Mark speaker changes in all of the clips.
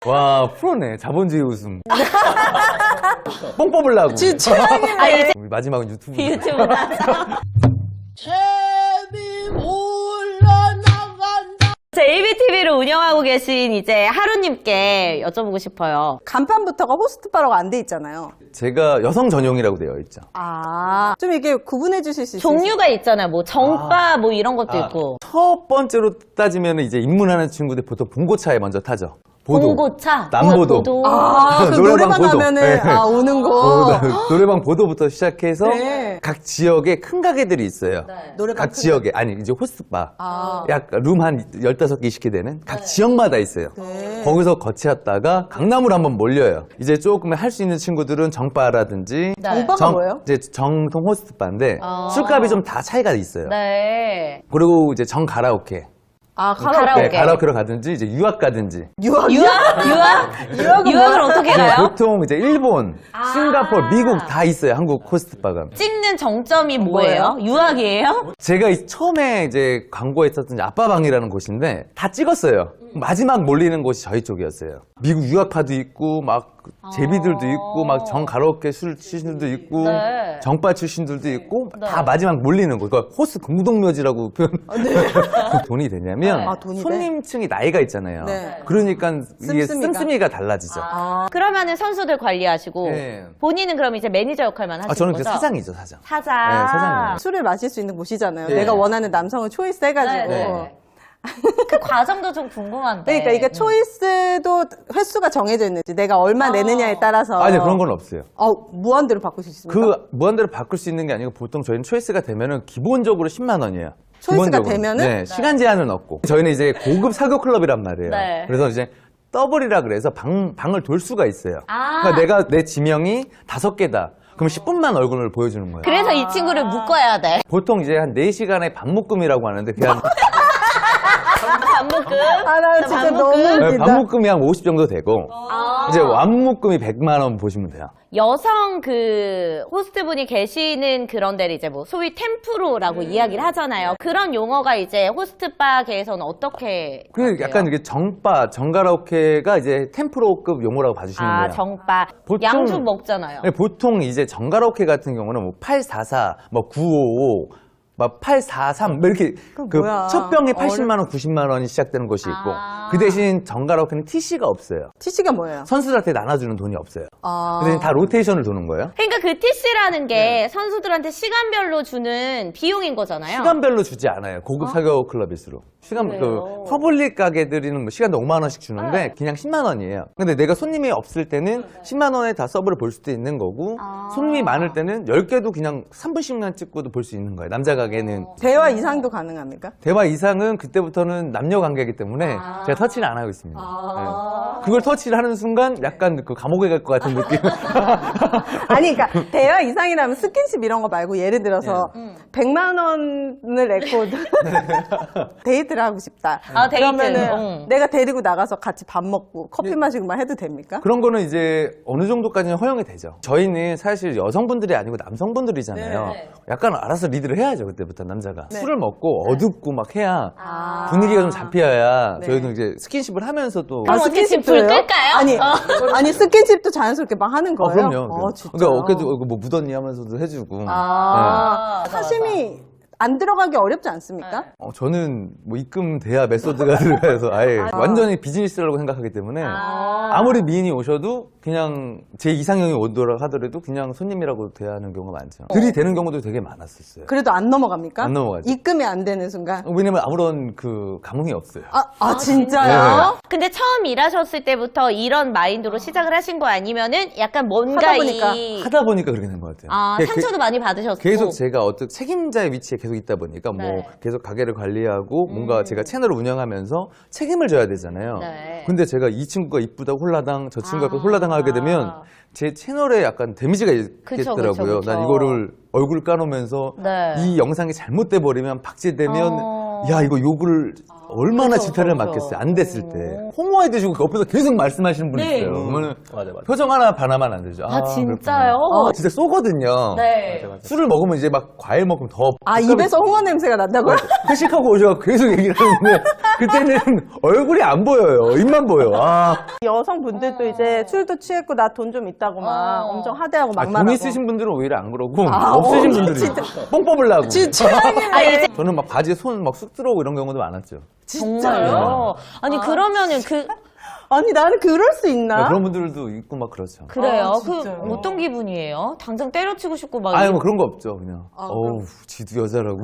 Speaker 1: 와, 프로네. 자본주의 웃음. 뽕 뽑으려고.
Speaker 2: 진짜.
Speaker 1: 우리 마지막은 유튜브.
Speaker 3: 유튜브다. JBTV를 운영하고 계신 이제 하루님께 여쭤보고 싶어요.
Speaker 2: 간판부터가 호스트바라고 안 돼 있잖아요.
Speaker 1: 제가 여성 전용이라고 되어 있죠.
Speaker 2: 아, 좀 이게 구분해 주실 수 있어요?
Speaker 3: 종류가 있잖아요. 뭐 정바 뭐 이런 것도 있고.
Speaker 1: 첫 번째로 따지면 이제 입문하는 친구들 보통 봉고차에 먼저 타죠. 보도.
Speaker 3: 봉고차,
Speaker 1: 남보도.
Speaker 2: 아, 그 노래방
Speaker 1: 보도.
Speaker 2: 가면은
Speaker 1: 네.
Speaker 2: 아, 오는 거.
Speaker 1: 노래방 보도부터 시작해서
Speaker 2: 네.
Speaker 1: 각 지역에 큰 가게들이 있어요.
Speaker 2: 노래방
Speaker 1: 각
Speaker 2: 큰
Speaker 1: 지역에 아니 이제 호스트바
Speaker 2: 아.
Speaker 1: 약 룸 한 15개 20개 되는 각 지역마다 있어요.
Speaker 2: 네.
Speaker 1: 거기서 거치었다가 강남으로 한번 몰려요. 이제 조금 할 수 있는 친구들은 정바라든지
Speaker 3: 네.
Speaker 2: 정바가 뭐예요?
Speaker 1: 이제 정통 호스트바인데 술값이 좀 다 차이가 있어요.
Speaker 3: 네.
Speaker 1: 그리고 이제 정 가라오케.
Speaker 2: 아,
Speaker 3: 가라오케.
Speaker 1: 네, 가라오케로 가든지 이제 유학 가든지.
Speaker 2: 유학이요?
Speaker 3: 유학을 어떻게 가요?
Speaker 1: 보통 이제 일본, 싱가포르, 미국 다 있어요. 한국 호스트바가.
Speaker 3: 찍는 정점이 뭐예요? 유학이에요?
Speaker 1: 제가 처음에 이제 광고에 있었던 이제 아빠방이라는 곳인데 다 찍었어요. 마지막 몰리는 곳이 저희 쪽이었어요. 미국 유학파도 있고 막 제비들도 있고 막 정 가라오케 술 출신들도 있고
Speaker 3: 네.
Speaker 1: 정바 출신들도 있고 다 마지막 몰리는 거. 그러니까 호스 공동묘지라고 표현. 돈이 되냐면
Speaker 2: 아, 돈이 돼?
Speaker 1: 손님층이 나이가 있잖아요.
Speaker 2: 네.
Speaker 1: 그러니까 이게
Speaker 2: 씀씀이가?
Speaker 1: 씀씀이가 달라지죠.
Speaker 3: 그러면은 선수들 관리하시고
Speaker 1: 네.
Speaker 3: 본인은 그럼 이제 매니저 역할만 하시는
Speaker 1: 저는
Speaker 3: 거죠?
Speaker 1: 그 사장이죠, 사장.
Speaker 3: 사장.
Speaker 1: 네, 사장이에요.
Speaker 2: 술을 마실 수 있는 곳이잖아요.
Speaker 1: 네.
Speaker 2: 내가 원하는 남성을 초이스 해가지고.
Speaker 3: 네. 그 과정도 좀 궁금한데.
Speaker 2: 그러니까 이게 초이스도 횟수가 정해져 있는지 내가 얼마 내느냐에 따라서.
Speaker 1: 아니 그런 건 없어요.
Speaker 2: 무한대로 바꿀 수 있습니까?
Speaker 1: 그 무한대로 바꿀 수 있는 게 아니고 보통 저희는 초이스가 되면은 기본적으로 10만 원이에요.
Speaker 2: 초이스가
Speaker 1: 기본적으로.
Speaker 2: 되면은?
Speaker 1: 네, 시간 제한은 없고. 저희는 이제 고급 사교 클럽이란 말이에요.
Speaker 3: 네.
Speaker 1: 그래서 이제 더블이라 그래서 방을 돌 수가 있어요.
Speaker 3: 아.
Speaker 1: 그러니까 내가 내 지명이 5개다. 그럼 10분만 얼굴을 보여주는 거예요.
Speaker 3: 그래서 이 친구를 묶어야 돼.
Speaker 1: 보통 이제 한 4시간의 반묶음이라고 하는데 그냥
Speaker 3: 반묶음.
Speaker 2: 아, 나 진짜 너무 웃긴다.
Speaker 1: 반묶음이 한 50 정도 되고
Speaker 3: 아.
Speaker 1: 이제 완묶음이 100만 원 보시면 돼요.
Speaker 3: 여성 그 호스트분이 계시는 그런 데를 이제 뭐 소위 템프로라고 이야기를 하잖아요. 그런 용어가 이제 호스트바계에서는 어떻게
Speaker 1: 그
Speaker 3: 하세요?
Speaker 1: 약간 이게 정바, 정가라오케가 이제 템프로급 용어라고 봐주시면
Speaker 3: 아,
Speaker 1: 돼요.
Speaker 3: 정바.
Speaker 1: 보통-
Speaker 3: 양주 먹잖아요.
Speaker 1: 네, 보통 이제 정가라오케 같은 경우는 뭐 844, 뭐 955, 막 843, 뭐 이렇게 그
Speaker 2: 뭐야.
Speaker 1: 첫 병에 80만 원, 90만 원이 시작되는 곳이 있고
Speaker 3: 아.
Speaker 1: 그 대신 정가라오케는 TC가 없어요.
Speaker 2: TC가 뭐예요?
Speaker 1: 선수들한테 나눠주는 돈이 없어요.
Speaker 2: 아.
Speaker 1: 그 대신 다 로테이션을 도는 거예요.
Speaker 3: 그러니까 그 TC라는 게 선수들한테 시간별로 주는 비용인 거잖아요.
Speaker 1: 시간별로 주지 않아요. 고급 사교 클럽일수록. 시간
Speaker 3: 그래요?
Speaker 1: 그 퍼블릭 가게들이는 뭐 시간당 5만 원씩 주는데 그냥 10만 원이에요. 근데 내가 손님이 없을 때는 10만 원에 다 서브를 볼 수도 있는 거고 손님이 많을 때는 10개도 그냥 3분씩만 찍고도 볼 수 있는 거예요. 남자 가게는
Speaker 2: 대화 이상도 가능합니까?
Speaker 1: 대화 이상은 그때부터는 남녀 관계이기 때문에 제가 터치를 안 하고 있습니다. 네. 그걸 터치를 하는 순간 약간 그 감옥에 갈 것 같은 느낌.
Speaker 2: 아니, 그러니까 대화 이상이라면 스킨십 이런 거 말고 예를 들어서 100만 원을 냈고 데이트를 하고 싶다.
Speaker 3: 아, 데이트.
Speaker 2: 그러면은 내가 데리고 나가서 같이 밥 먹고 커피 마시고만 해도 됩니까?
Speaker 1: 그런 거는 이제 어느 정도까지는 허용이 되죠. 저희는 사실 여성분들이 아니고 남성분들이잖아요.
Speaker 3: 네.
Speaker 1: 약간 알아서 리드를 해야죠. 그때부터 남자가.
Speaker 2: 네.
Speaker 1: 술을 먹고 어둡고 막 해야
Speaker 2: 아.
Speaker 1: 분위기가 좀 잡혀야
Speaker 2: 네.
Speaker 1: 저희도 이제 스킨십을 하면서도
Speaker 3: 그럼 어떻게 지금 불 끌까요?
Speaker 2: 아니 스킨십도 자연스럽게 막 하는 거예요?
Speaker 1: 그럼요.
Speaker 2: 진짜.
Speaker 1: 그러니까 어깨도 뭐 묻었니 하면서도 해주고.
Speaker 2: 아,
Speaker 3: 맞아,
Speaker 2: 사심이 안 들어가기 어렵지 않습니까?
Speaker 1: 저는 뭐 입금돼야 메소드가 들어가서 아예 완전히 비즈니스라고 생각하기 때문에 아무리 미인이 오셔도 그냥 제 이상형이 오더라 하더라도 그냥 손님이라고 대하는 경우가 많죠. 들이대는 경우도 되게 많았었어요.
Speaker 2: 그래도 안 넘어갑니까?
Speaker 1: 안 넘어가죠.
Speaker 2: 입금이 안 되는 순간.
Speaker 1: 왜냐면 아무런 그 감흥이 없어요.
Speaker 2: 진짜요?
Speaker 3: 근데 처음 일하셨을 때부터 이런 마인드로 시작을 하신 거 아니면은 약간 뭔가
Speaker 2: 하다 보니까.
Speaker 1: 하다 보니까 그렇게 된 것 같아요.
Speaker 3: 아,
Speaker 1: 그러니까
Speaker 3: 상처도 많이 받으셨고.
Speaker 1: 계속 제가 어떤 책임자의 위치에 계속 있다 보니까 뭐
Speaker 3: 네.
Speaker 1: 계속 가게를 관리하고 뭔가 제가 채널을 운영하면서 책임을 져야 되잖아요.
Speaker 3: 네.
Speaker 1: 근데 제가 이 친구가 이쁘다고 홀라당 저 친구가 이쁘다고 홀라당 하게 되면 제 채널에 약간 데미지가
Speaker 3: 그쵸,
Speaker 1: 있겠더라고요.
Speaker 3: 그쵸.
Speaker 1: 난 이거를 얼굴 까놓으면서
Speaker 3: 네.
Speaker 1: 이 영상이 잘못돼 버리면 박제되면 야 이거 욕을 얼마나 지탄을 맞겠어요. 안 됐을 때 홍어해 드시고 옆에서 계속 말씀하시는 분이 있어요. 그러면 표정 하나 반하면 안 되죠.
Speaker 3: 아, 진짜요?
Speaker 1: 그렇구나. 진짜 쏘거든요.
Speaker 3: 네.
Speaker 1: 술을 먹으면 이제 막 과일 먹으면 더
Speaker 2: 입에서 홍어 냄새가 난다고요?
Speaker 1: 회식하고 오셔서 계속 얘기를 하는데 그때는 얼굴이 안 보여요. 입만 보여. 아,
Speaker 2: 여성분들도 이제 술도 취했고 나 돈 좀 있다고 막 엄청 하대하고 막말하고.
Speaker 1: 돈 있으신 분들은 오히려 안 그러고
Speaker 2: 아,
Speaker 1: 없으신 분들이
Speaker 2: 진짜.
Speaker 1: 뽕 뽑으려고.
Speaker 2: 진짜
Speaker 3: 아, 이제
Speaker 1: 저는 막 바지에 손 막 쑥 들어오고 이런 경우도 많았죠.
Speaker 3: 정말요? 아니, 그러면은
Speaker 2: 아니 나는 그럴 수 있나?
Speaker 1: 그런 분들도 있고 막 그렇죠.
Speaker 3: 그래요?
Speaker 2: 아,
Speaker 3: 그
Speaker 2: 진짜요?
Speaker 3: 어떤 기분이에요? 당장 때려치고 싶고 막.
Speaker 1: 아니 뭐 그런 거 없죠. 그냥 어우 지도 여자라고.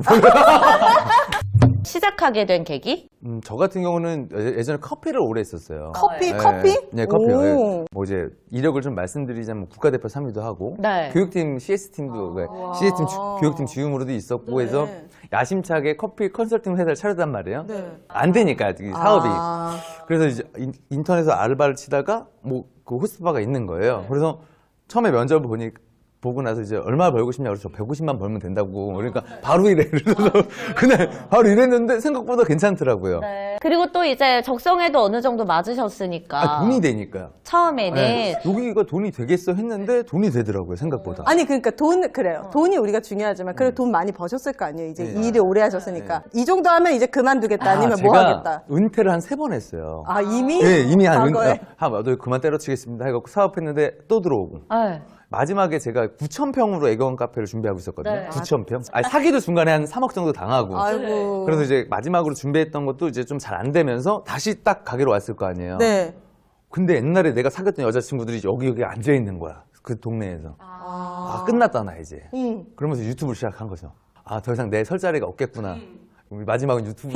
Speaker 3: 시작하게 된 계기?
Speaker 1: 저 같은 경우는 예전에 커피를 오래 했었어요.
Speaker 2: 커피?
Speaker 1: 네,
Speaker 2: 커피?
Speaker 1: 네, 커피요.
Speaker 2: 오.
Speaker 1: 네. 뭐 이제 이력을 좀 말씀드리자면 국가대표 3위도 하고
Speaker 3: 네.
Speaker 1: 교육팀 CS팀도 CS팀 교육팀 주임으로도 있었고 해서 야심차게 커피 컨설팅 회사를 차렸단 말이에요.
Speaker 2: 네.
Speaker 1: 안 되니까 이 사업이.
Speaker 2: 아.
Speaker 1: 그래서 이제 인터넷에서 알바를 치다가 뭐 그 호스트바가 있는 거예요. 그래서 처음에 면접을 보고 나서 이제 얼마 벌고 싶냐고 그래서 저 150만 벌면 된다고. 그러니까 바로 이래. 그래서 그날 바로 일했는데 생각보다 괜찮더라고요.
Speaker 3: 그리고 또 이제 적성에도 어느 정도 맞으셨으니까.
Speaker 1: 아, 돈이 되니까요.
Speaker 3: 처음에는.
Speaker 1: 네. 여기가 돈이 되겠어 했는데 돈이 되더라고요, 생각보다.
Speaker 2: 아니 그러니까 그래요. 돈이 우리가 중요하지만 그래도 돈 많이 버셨을 거 아니에요. 이제
Speaker 1: 네.
Speaker 2: 일을 오래 하셨으니까 이 정도 하면 이제 그만두겠다 아니면 뭐
Speaker 1: 제가
Speaker 2: 하겠다.
Speaker 1: 은퇴를 한 3번 했어요.
Speaker 2: 아 이미?
Speaker 1: 네, 이미 한
Speaker 2: 과거에?
Speaker 1: 너 그만 때려치겠습니다 해갖고 사업했는데 또 들어오고.
Speaker 3: 네.
Speaker 1: 마지막에 제가 9,000평으로 애견 카페를 준비하고 있었거든요.
Speaker 3: 네.
Speaker 1: 9,000평. 아니, 사기도 중간에 한 3억 정도 당하고.
Speaker 2: 아이고.
Speaker 1: 그래서 이제 마지막으로 준비했던 것도 이제 좀 잘 안 되면서 다시 딱 가게로 왔을 거 아니에요.
Speaker 2: 네.
Speaker 1: 근데 옛날에 내가 사귀었던 여자친구들이 여기 앉아 있는 거야. 그 동네에서. 아, 끝났다 나 이제. 그러면서 유튜브를 시작한 거죠. 아, 더 이상 내 설 자리가 없겠구나. 우리 마지막은 유튜브.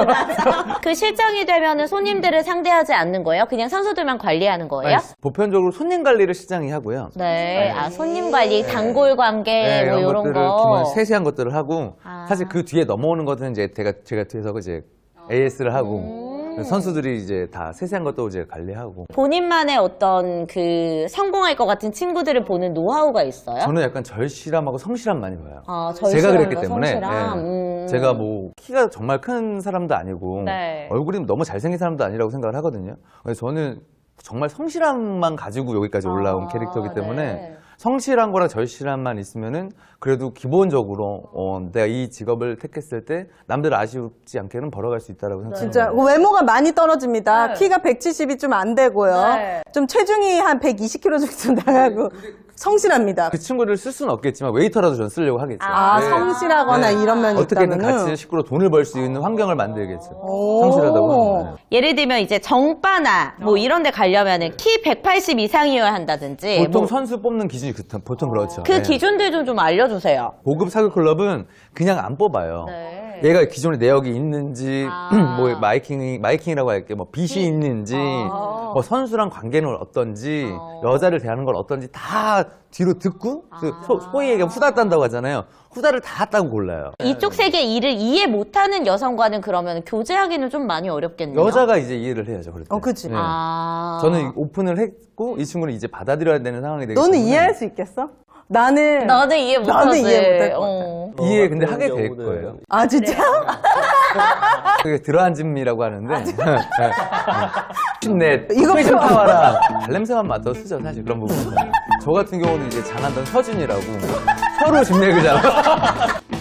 Speaker 3: 그 실장이 되면은 손님들을 상대하지 않는 거예요? 그냥 선수들만 관리하는 거예요?
Speaker 1: 아니, 보편적으로 손님 관리를 시장이 하고요.
Speaker 3: 네. 아, 손님 관리, 단골 관계, 뭐 이런
Speaker 1: 것들을
Speaker 3: 거.
Speaker 1: 정말 세세한 것들을 하고
Speaker 3: 아.
Speaker 1: 사실 그 뒤에 넘어오는 것들은 이제 제가 뒤에서 이제 AS를 하고 선수들이 이제 다 세세한 것도 이제 관리하고.
Speaker 3: 본인만의 어떤 그 성공할 것 같은 친구들을 보는 노하우가 있어요?
Speaker 1: 저는 약간 절실함하고 성실함 많이 봐요.
Speaker 3: 아,
Speaker 1: 제가
Speaker 3: 절실함과
Speaker 1: 그랬기 때문에
Speaker 3: 성실함.
Speaker 1: 예. 제가 뭐 키가 정말 큰 사람도 아니고
Speaker 3: 네.
Speaker 1: 얼굴이 너무 잘생긴 사람도 아니라고 생각을 하거든요. 그래서 저는 정말 성실함만 가지고 여기까지 올라온 캐릭터이기 때문에
Speaker 3: 네.
Speaker 1: 성실한 거랑 절실함만 있으면은 그래도 기본적으로 내가 이 직업을 택했을 때 남들 아쉬우지 않게는 벌어갈 수 있다라고 생각합니다.
Speaker 2: 진짜 외모가 많이 떨어집니다.
Speaker 3: 네.
Speaker 2: 키가 170이 좀 안 되고요.
Speaker 3: 네.
Speaker 2: 좀 체중이 한 120kg 정도 나가고 성실합니다.
Speaker 1: 그 친구를 쓸 수는 없겠지만 웨이터라도 전 쓰려고 하겠죠.
Speaker 2: 아,
Speaker 1: 네.
Speaker 2: 성실하거나 이런 면이
Speaker 1: 어떻게든
Speaker 2: 있다면은.
Speaker 1: 같이 식구로 돈을 벌 수 있는 환경을 만들겠죠.
Speaker 2: 오.
Speaker 1: 성실하다고 하면.
Speaker 3: 예를 들면 이제 정바나 뭐 이런 데 가려면은 키 180 이상이어야 한다든지
Speaker 1: 보통
Speaker 3: 뭐
Speaker 1: 선수 뽑는 기준이 보통 그렇죠.
Speaker 3: 그
Speaker 1: 네.
Speaker 3: 기준들 좀 알려주세요.
Speaker 1: 고급 사교 클럽은 그냥 안 뽑아요.
Speaker 3: 네.
Speaker 1: 얘가 기존에 내역이 있는지,
Speaker 3: 아.
Speaker 1: 뭐 마이킹이라고 할게, 뭐 빚이 있는지, 뭐 선수랑 관계는 어떤지, 여자를 대하는 건 어떤지 다 뒤로 듣고 그 소위 얘기하면 후다 딴다고 하잖아요. 후다를 다 따고 골라요.
Speaker 3: 이쪽 세계 일을 이해 못하는 여성과는 그러면 교제하기는 좀 많이 어렵겠네요.
Speaker 1: 여자가 이제 이해를 해야죠. 그럴 때.
Speaker 2: 그치.
Speaker 1: 네.
Speaker 3: 아.
Speaker 1: 저는 오픈을 했고 이 친구는 이제 받아들여야 되는 상황이 되기
Speaker 2: 너는
Speaker 1: 때문에
Speaker 2: 이해할 수 있겠어? 나는
Speaker 3: 이해 못하지.
Speaker 2: 나는 이해 못할 것 같아.
Speaker 1: 이해 근데 하게 될 거예요.
Speaker 2: 아 진짜?
Speaker 1: 그게 들어앉음이라고 하는데 힘내
Speaker 2: 이거
Speaker 1: 이거 좀
Speaker 2: 필요-
Speaker 1: 타와라 발냄새만 맡아 쓰죠 사실 그런 부분은. 저 같은 경우는 이제 장한던 서준이라고 서로 집내기잖아.